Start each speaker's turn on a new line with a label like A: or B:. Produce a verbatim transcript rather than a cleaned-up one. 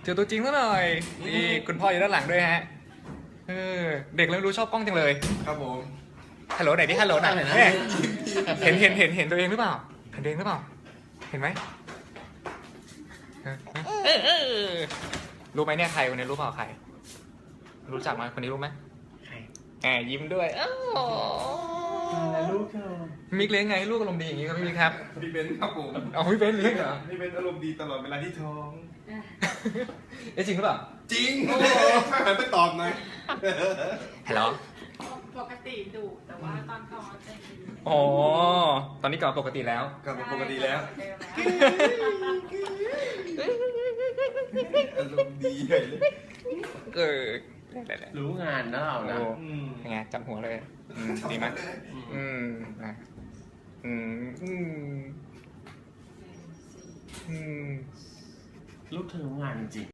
A: เจอตัวจริงซะหน่อยนี่คุณพ่ออยู่ด้านหลังด้วยฮะเออเด็กเริ่มรู้ชอบกล้องจังเลย
B: ครับผม
A: ฮัลโหลไหนดิฮัลโหลหน่อยเนี่ยเห็นเห็นเห็นเห็นตัวเองหรือเปล่าเห็นตัวเองหรือเปล่าเห็นไหมเออเออรู้ไหมเนี่ยใครคนนี้รู้เปล่าใครรู้จักไหมคนนี้รู้ไหมใครแอบยิ้มด้วยอ้าว
C: ลูกเธอ
A: มิกเลี้ยงไงให้ลูกอารมณ์ดีอย่างนี้ครับพี่มิกครับ
B: พี่เบนครับผม
A: เอาพี่เบนเลี้ยงเหรอ
B: พี่เบนอารมณ์ดีตลอดเวลาที่ท้อง
A: เอ๊ะจริงหรือเปล่า
B: จริงโอ้โหหันไปตอบหน่อย
A: ฮัลโหล
D: ปกติดุแต่ว่าตอนท้องใจดี
A: อ๋อตอนนี้กลับมาปกติแล้ว
B: กลับมาปกติแล้วอารมณ์ดีใหญ่เลย
A: เออได้ๆ
C: รู้งานนะเรา
A: ๆ
C: นะ
A: โอ้
B: อืม
A: ยังไงจับหัวเลยอืมดีไหมอืมอ่ะอืมอืมอืม
C: ลูกเธอรู้งานจริง